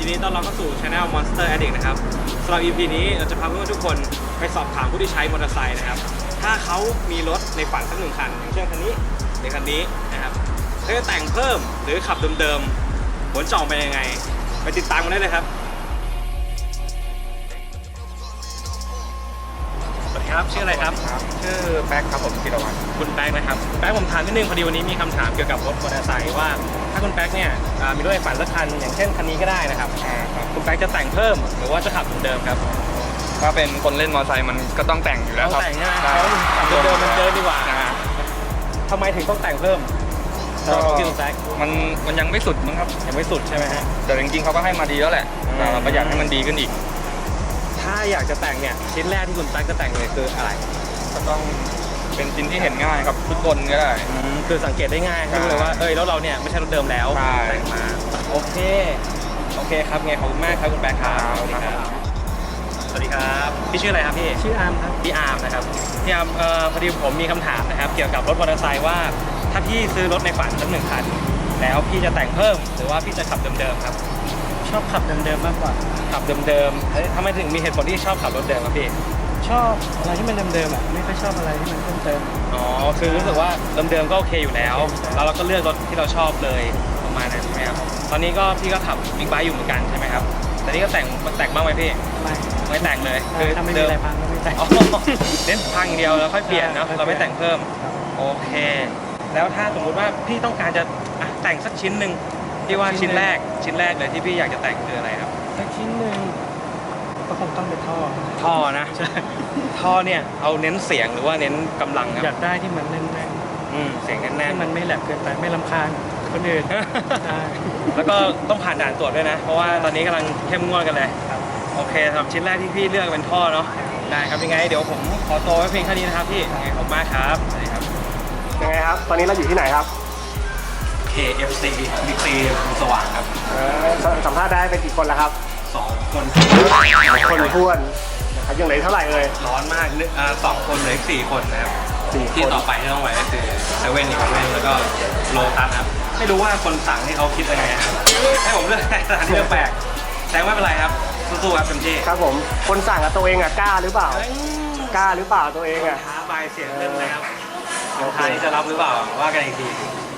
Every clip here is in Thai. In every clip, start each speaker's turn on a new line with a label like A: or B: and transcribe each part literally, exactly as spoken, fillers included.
A: ดีต้อนรับเข้าสู่ Channel Monster Addict นะครับสำหรับ อี พี นี้เราจะพาเพื่อนๆทุกคนไปสอบถามผู้ที่ใช้มอเตอร์ไซค์นะครับถ้าเขามีรถในฝันสักหนึ่งคันอย่างเช่นคันนี้หรือคันนี้นะครับเขาจะแต่งเพิ่มหรือขับเดิมๆผลจะออกเป็นยังไงไปติดตามกันได้เลยครับสวัสดีครับชื่ออะไรครับ
B: ชื่อแป๊กครับผมธีรวัฒน์
A: คุณแป๊กนะครับแป๊กผมถามนิดนึงพอดีวันนี้มีคำถามเกี่ยวกับรถมอเตอร์ไซค์ว่าถ้าคุณแป๊กเนี่ยมีรถในฝันสักคันอย่างเช่นคันนี้ก็ได้นะครับคุณแป๊กจะแต่งเพิ่มหรือว่าจะขับเหมือนเดิมครับ
B: ถ้าเป็นคนเล่นมอเตอร์ไซค์มันก็ต้องแต่งอยู่แล้วครับ
A: แต่งใช่ไหมขับเดิมมันเดิมดีกว่าทำไมถึงต้องแต่งเพิ่มก็
B: มันมันยังไม่สุดมั้งครับ
A: ยังไม่สุดใช่ไหมฮะ
B: แต่จริงๆเขาก็ให้มาดีแล้วแหละแต่เราก็อยากให้มันดีขึ้นอีก
A: ถ้าอยากจะแต่งเนี่ยชิ้นแรกที่คุณแป๊กจะแต่งเลยคืออะไร
B: ก็ต้องเป็นชิ้นที่เห็นง่ายครับทุกคนก็ได้
A: คือสังเกตได้ง่ายรู้เลยว่าเอ้ยแล้วเราเนี่ยไม่ใช่รถเดิมแล้วแต่งมาโอเคโอเคครับไงขอบคุณมากครับคุณแป๊กครับสวัสดีครับพี่ชื่ออะไรครับพี่
C: ชื่ออาร์มครับ
A: พี่อาร์มนะครับพี่อาร์มเอ่อพอดีผมมีคำถามนะครับเกี่ยวกับรถมอเตอร์ไซค์ว่าถ้าพี่ซื้อรถในฝันสักหนึ่งคันแล้วพี่จะแต่งเพิ่มหรือว่าพี่จะขับเดิมๆครับ
C: ชอบขับเดิมๆมากกว่า
A: ขับเดิมๆทำไมถึงมีเหตุผลที่ชอบขับรถเดิมครับพี่
C: ชอบอะไรที่มันเดิมๆอ่ะไม่ค่อยชอบอะไรที่มันเพิ่มเติม
A: อ๋อคือรู้สึกว่าเดิมๆก็โอเคอยู่แล้วแล้วเราก็เลือกรถที่เราชอบเลยประมาณนั้นใช่ไหมครับตอนนี้ก็พี่ก็ขับบิ๊กไบค์อยู่เหมือนกันใช่ไหมครับแต่นี่ก็แต่งแต่งบ้างไหมพี่
C: ไม่
A: ไม่แต่งเลย
C: คือถ้าไม่มีอะไรพังก็ไม่แต่ง
A: เน้นพังเดียวแล้วค่อยเปลี่ยนเนาะเราไม่แต่งเพิ่มโอเคแล้วถ้าสมมุติว่าพี่ต้องการจะแต่งสักชิ้นหนึ่งที่ว่าชิ้นแรกชิ้นแรกเลยที่พี่อยากจะแต่งคืออะไรครับ
C: สักชิ้นหนึ่งก็คงต้องเป็นท่อ
A: ท่อนะท่อเนี่ยเอาเน้นเสียงหรือว่าเน้นกำลังครับ
C: อยากได้ที่มันแน่น
A: ๆอืมเสียงแน่นๆ
C: ที่มันไม่แหลกเกินไปไม่รำคาญคนอื่น
A: แล้วก็ต้องผ่านด่านตรวจด้วยนะเพราะว่าตอนนี้กำลังเข้มงวดกันเลยโอเคสำหรับชิ้นแรกที่พี่เลือกเป็นท่อเนาะได้ครับยังไงเดี๋ยวผมขอตัวไว้เพียงแค่นี้นะครับพี่ยังไงขอบคุณมากครับสวัสดีครับ
D: ยังไงครับตอนนี้เราอยู่ที่ไหนครับ
A: เค เอฟ ซี บิ๊กซีสว่างครับ
D: สัมภาษณ์ได้เป็นกี่คนแล้วครับ
A: สองคน
D: คนท้วนนะครับยังเหลือเท่าไหร่เลย
A: ร้อนมากอ่าสองคนเหลืออีกสี่คนนะครับที่ต่อไปที่ต้องไปก็คือเซเว่นอีกเว่นแล้วก็โลตัสครับไม่รู้ว่าคนสั่งให้เขาคิดยังไงครับให้ผมเลือกแต่เลือกแปลกแต่ไม่เป็นไรครับสู้ๆครับเต็มที่
D: ครับผมคนสั่งกับตัวเองอ่ะกล้าหรือเปล่ากล้าหรือเปล่าตัวเองอ่ะ
A: ท้าไปเสียงเรื่องเลยครับลูกค้าที่จะรับหรือเปล่าว่ากันอีกที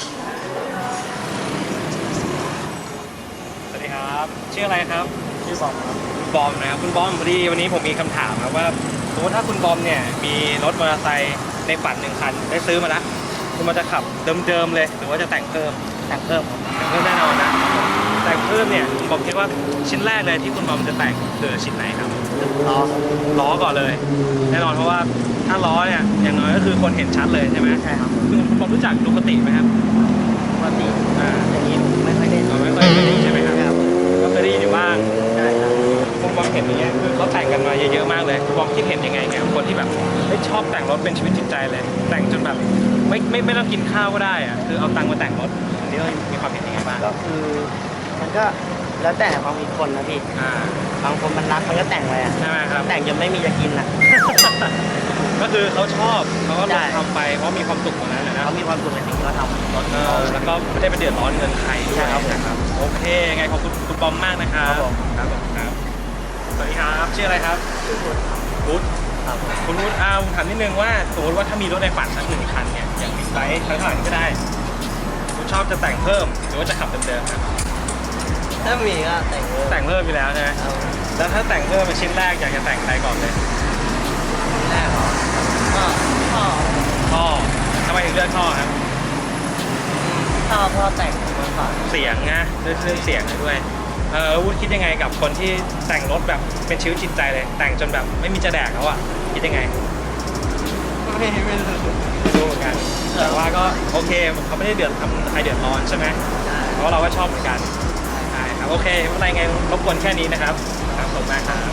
A: สวัสดีครับชื่ออะไรครับ
C: ชื่อบอมครับ
A: บอมนะครับคุณบอมพอดีวันนี้ผมมีคำถามครับว่าสมมติถ้าคุณบอมเนี่ยมีรถมอเตอร์ไซค์ในฝันหนึ่งคันได้ซื้อมาแล้วคุณมันจะขับเดิมๆเลยหรือว่าจะแต่งเพิ่ม
C: แต่งเพิ่ม
A: แต่งเพิ่มแน่นอนนะแต่งเพิ่มเนี่ยผมคิดว่าชิ้นแรกเลยที่คุณบอมจะแต่งคือชิ้นไหนครับ
C: ล้อ
A: ล้อก่อนเลยแน่นอนเพราะว่าถ้าล้อเนี่ยอย่างน้อยก็คือคนเห็นชัดเลยใช่ไหม
C: ใช่ครับ
A: คุณบอมรู้จักดูคติไหมครับ
C: ปกติอ่าอย่างนี้ไม่ค่อยได้
A: ไม่ค่อยได้ใช่ไหมครับก็เคยได้ยินอยู่บ้าง
C: ใช่ครับ
A: คุณบอมเห็นอย่างเงี้ยคือเขาแต่งกันมาเยอะๆมากเลยคุณบอมคิดเห็นยังไงเนี่ยคนที่แบบไม่ชอบแต่งรถเป็นชีวิตจิตใจเลยแต่งจนแบบไม่ไม่ไม่ต้องกินข้าวก็ได้อะคือเอาตังค์มาแต่งรถอันนี้เรามีความเห็นยังไงบ้าง
C: ก็คือมันก็แล้วแต่ความมีคนนะพี่บางคนมันรักมันก็แต่งไปอ่ะ
A: ใช่ไหมครับ
C: แต่งจนไม่มีจะกินอ่ะ
A: ก็คือเขาชอบเขาก็ลองทำไปเพราะมีความสุขตรงนั้นนะ
C: เขามีความสุขในสิ่งที่เขาทำ
A: แล้วก็ไม่ได้ไปเดือดร้อนเงินใครใช่ครับนะครับโอเคไงขอบคุณคุณบอมมากนะครับครับครับสวัสดีครับชื่ออะไรครับ
C: ชื่อพุทธ
A: พุทธคุณพุทธเอาถามนิดนึงว่าสมมติว่าถ้ามีรถในฝันสักหนึ่งคันเนี่ยอย่างบิ๊กไบค์ทั้งหลายก็ได้คุณชอบจะแต่งเพิ่มหรือว่าจะขับเดิมๆครับ
C: ถ้ามีก็แต่งเพิ่ม
A: แต่งเพิ่มไปแล้วใช่ไหมแล้วถ้าแต่งเพิ่มเป็นชิ้นแรกอยากจะแต่งอะไรก่อนเลย
C: ชิ้นแรกเหรอก็ท่อ
A: ท่อทำไมถึงเลือกท่อครับ
C: ท่อท่อแต่ง
A: เสียงนะเรื่องเสียงด้วยเออวุฒิคิดยังไงกับคนที่แต่งรถแบบเป็นชีวิตจิตใจเลยแต่งจนแบบไม่มีจะแดกแล้วอ่ะคิดยังไง
C: ไม่ไม่รู้
A: รู้เหมือนกันแต่ว่าก็โอเคเขาไม่ได้เดือดทำใครเดือดร้อนใช่ไหมเพราะเราก็ชอบเหมือนกันใช่ครับโอเคไม่เป็นไรไงรบกวนแค่นี้นะครับครับขอบคุณมากครับ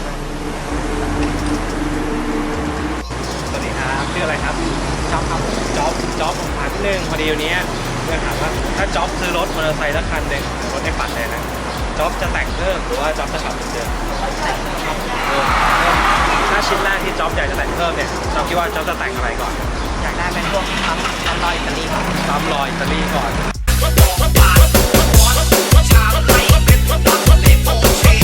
A: สวัสดีครับชื่ออะไรครับ
C: จ๊อบครับ
A: จ๊อบจ๊อบผมถามนิดนึงพอดีวันนี้เพื่อนถามว่าถ้าจ๊อบซื้อรถมอเตอร์ไซค์สักคันหนึ่งรถในฝันเลยนะจ๊อบจะแต่งเพิ่มหรือว่าจ๊อบจะขับเหมือนเดิมถ้าชิ้นแรกที่จ๊อบอยากจะแต่งเพิ่มเนี่ยจ๊อบคิดว่าจ๊อบจะแต่งอะไรก่อน
C: อยากได้เป็นพวกปั๊มปั๊มลอยอิตาลีก่อน
A: ปั๊มลอยอิตาลีก่อน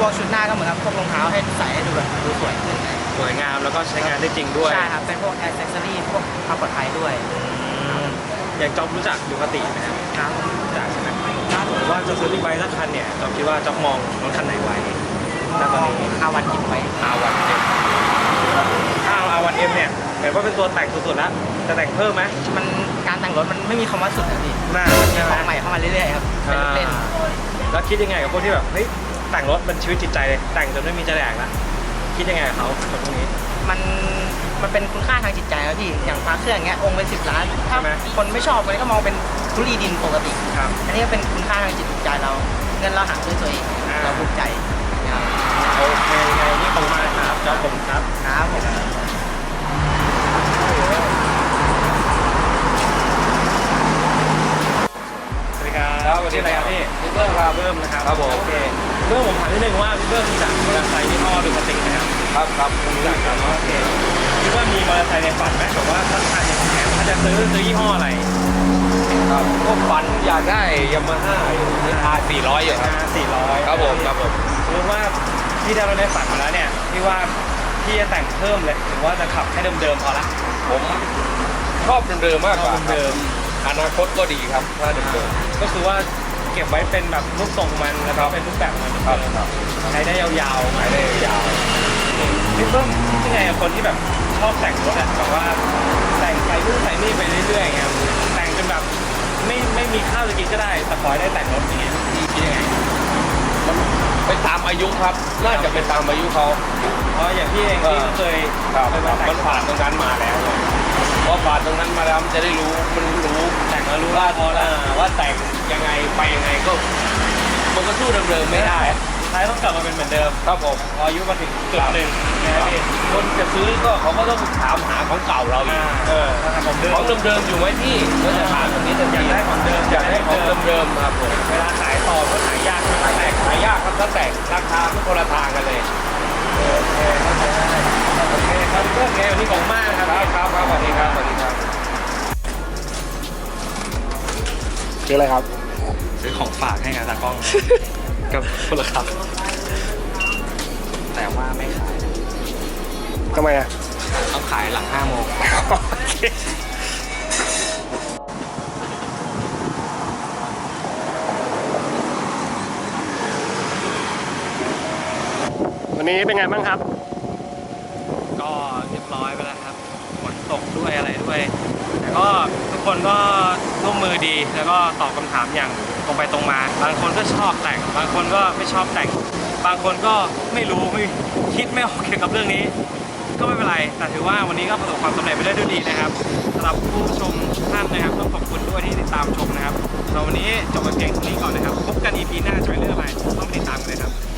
C: วกชุดหน้าก็เหมือนกับพวกรองเท้าให้ใส่ให้ดูแบบดูสวยขึ้น
A: สวยงามแล้วก็ใช้งานได้จริงด้วย
C: ใช่ครับเป็นพวกแอ c เซสซอรี่พวกความปลอดภัยด้วย
A: อย่างจ๊อบรู้จักดูคาติไหมครับ
C: ครับ
A: รู้จักใช่ไหมถ้าสมมติว่าจะซื้อบิ๊กไบค์สักคันเนี่ยจ๊อบคิดว่าจ๊อบมองรถคันไหนไว้ณตอนนี้
C: อาวันหยิบไว้
A: อาวันเอ็มถ้าเอาอาวันเอ็มเนี่ยเห็นว่าเป็นตัวแต่งสุดๆแล้วจะแต่งเพิ่มไหม
C: มันการแต่งรถมันไม่มีคำว่าสุดนะพี่
A: น่า
C: มี
A: ใช่ไห
C: ข
A: ม
C: องใหม่เข้ามาเรื่อยๆครับเป็นเล่น
A: แล้วคิดยังไงกับพวกที่แบบเฮ้ยแต่งรถเป็นชีวิตจิตใจเลยแต่งจนไม่มีจะแดกละคิดยังไงกับเขาคนพวกนี้
C: มันมันเป็นคุณค่าทางจิตใจครับพี่อย่างพระเครื่องอย่างเงี้ยองค์เป็นสิบล้านถ้า
A: ใช่ไหม
C: คนไม่ชอบมันก็มองเป็นทุลีดินปกติ
A: ครับ
C: อันนี้ก็เป็นคุณค่าทางจิตใจเราเงินเราหาด้วยตัวเอง
A: อ่า
C: เราภูมิใจครับ
A: โอเคยังไงนี่ขอบคุณมากครับจ๊อบผมครับ
C: ครับผม
A: สวัสดีครับ
B: ครับสวัสดี
A: ชื่ออะไร
B: ค
A: ค
B: รั
A: รับบ พี่พี่เบิ้มครับเบิ้มนะครับ
B: ครับผม
A: โอเคเบิ้มผมถามนิดนึงว่าพี่เบิ้มรู้จักมอเตอร์ไซค์ยี่ห้อดูคาตินะครับ
B: ครับครับผม
A: รู้จักครับโอเคคิดว่ามีมอเตอร์ไซค์ในฝันไหมแบบว่าถ้าทานอย่างแขนถ้าจะซื้อซื้อยี่ห้ออะไร
B: ครับก็ฝันอยากได้ยามาฮ่าอยู่อาร์สี่ร้อยอยู่ครับ
A: สี่ร้อย
B: ครับผมครับผม
A: สมมติว่าพี่ได้รถในฝันมาแล้วเนี่ยพี่ว่าพี่จะแต่งเพิ่มเลยหรือว่าจะขับให้เดิมๆพอละ
B: ผมชอบเดิมๆมากกว่า
A: ชอบเดิม
B: อนาคตก็ดีครับถ้าเดิม
A: ก็คือว่าเก็บไว้เป็นแบบรูปทรงมันแล้วก็เป็นรูปแบบมัน
B: ๆครับครับ
A: ใช้ได้ยาวๆ
B: ขายได้ยาว
A: พี่เพิ่มยังไงกับคนที่แบบชอบแต่งรถอะแบบว่าแต่งใส่นู่นใส่นี่ไปเรื่อยๆอย่างเงี้ยแต่งจนแบบไม่ไม่มีข้าวจะกินก็ได้แต่ขอให้ได้แต่งรถอย่างเงี้ยพี่คิดยังไง
B: มันไปตามอายุครับ น่าจะเป็นตามอายุเขา
A: เพราะอย่างพี่เองพี่ก็เคย
B: ครับ
A: เคย
B: ค
A: มา
B: รับ
A: แต่ง
B: มันผ่านตรงนั้นมาแล้วพอผ่านตรงนั้นมาแล้วมันจะได้รู้มันรู้
A: แต่งแล้วรู้
B: ว่า
A: ว่าพอแล้ว
B: ว่าแต่งยังไงไปยังไงก็มันก็สู้เดิมๆไม่ได้
A: ท้ายต้องกลับมาเป็นเหมือนเดิม
B: ครับผม
A: พออายุมาถึงจุดหนึ่งนะครับพี่
B: คนจะซื้อก็เขาก็ต้องถามหาของเก่าเราอี
A: อ่าก
B: เออ
A: ของเดิม
B: ของเดิมๆอยู่ไหมพี่ก็จะถามตรงนี้จะ
A: อยากได้ของเดิม
B: อยากได้ของเดิมๆครับผม
A: เวลาขายต่อก็ขายยากใช่ไหม
B: แต่ขายยากครับถ้าแต่ราคาไม่คนละทางกันเลย
A: โอเคเข้าใจได้โอเคครับเพื่อนไงวันนี้ของมากครับ
B: ครับครับครับสวัสดีครับสวัสดีครับชื่ออะไรครับ
A: ซื้อของฝากให้กับตากล้อง กับคนละครับ แต่ว่าไม่ขาย
D: ทำไมอ่ะ
A: ต้องขายหลังห้าโมง
D: วันนี้เป็นไงบ้างครับ
A: ก็เรียบร้อยไปแล้วครับฝนตกด้วยอะไรด้วย แต่ก็ทุกคนก็ร่วมมือดีแล้วก็ตอบคำถามอย่างตรงไปตรงมา บางคนก็ชอบแต่ง บางคนก็ไม่ชอบแต่ง บางคนก็ไม่รู้ไม่คิดไม่ออกเกี่ยวกับเรื่องนี้ ก็ไม่เป็นไร แต่ถือว่าวันนี้ก็ประสบความสำเร็จไปได้ด้วยดีนะครับสำหรับผู้ชมทุกท่านนะครับต้องขอบคุณด้วยที่ติดตามชมนะครับเราวันนี้จบไปเพียงเท่านี้ก่อนนะครับพบกัน อี พี หน้าจะเป็นเรื่องอะไรต้องติดตามกันเลยครับ